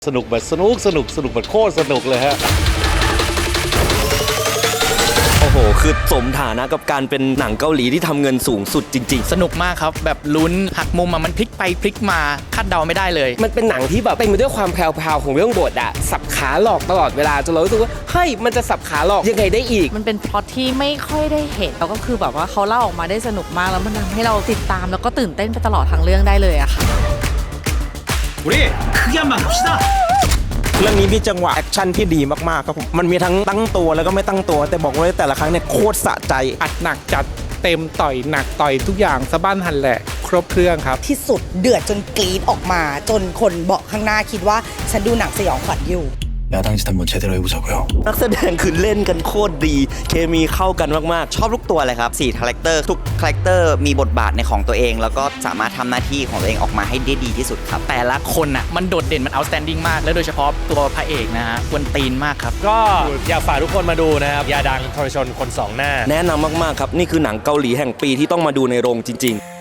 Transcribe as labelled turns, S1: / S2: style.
S1: สนุกแบบสนุกแบบโคตรสนุกเลยฮะ
S2: โอ้โหคือสมฐานะกับการเป็นหนังเกาหลีที่ทำเงินสูงสุดจริง
S3: สนุกมากครับแบบลุ้นหักมุมมันพลิกไปพลิกมาคาดเดาไม่ได้เลย
S4: มันเป็นหนังที่แบบเต็มไปด้วยความแพรวๆของเรื่องบทอะสับขาหลอกตลอดเวลาจนเรารู้สึกว่าเฮ้ยมันจะสับขาหลอกยังไงได้อีก
S5: มันเป็นพล็อตที่ไม่ค่อยได้เห็นแล้วก็คือแบบว่าเขาเล่าออกมาได้สนุกมากแล้วมันทำให้เราติดตามแล้วก็ตื่นเต้นไปตลอดทั้งเรื่องได้เลยอะค่ะ
S6: 우리크게한만갑시다
S7: เรื่องนี้มีจังหวะแอคชั่นที่ดีมากๆครับผมมันมีทั้งตั้งตัวแล้วก็ไม่ตั้งตัวแต่บอกเลยแต่ละครั้งเนี่ยโคตรสะใจ
S8: อัดหนักจัดเต็มต่อยหนักต่อยทุกอย่างสะบั้นหันแหละครบเครื่องครับ
S9: ที่สุดเดือดจนกรี๊ดออกมาจนคนเบาะข้างหน้าคิดว่าฉันดูหนังสยองขวัญอยู่
S2: นักแสดงคือเล่นกันโคตรดีเคมีเข้ากันมากๆชอบทุกตัวเลยครับ4คาแรคเตอร์ทุกคาแรคเตอร์มีบทบาทในของตัวเองแล้วก็สามารถทำหน้าที่ของตัวเองออกมาให้ได้ดีที่สุดครับ
S3: แต่ละคนน่ะมันโดดเด่นมัน outstanding มากและโดยเฉพาะตัวพระเอกนะฮะกวนตีนมากครับ
S1: ก็อยากฝากทุกคนมาดูนะครับยาดังทรชนคนสองหน้า
S2: แนะนำมากๆครับนี่คือหนังเกาหลีแห่งปีที่ต้องมาดูในโรงจริงๆ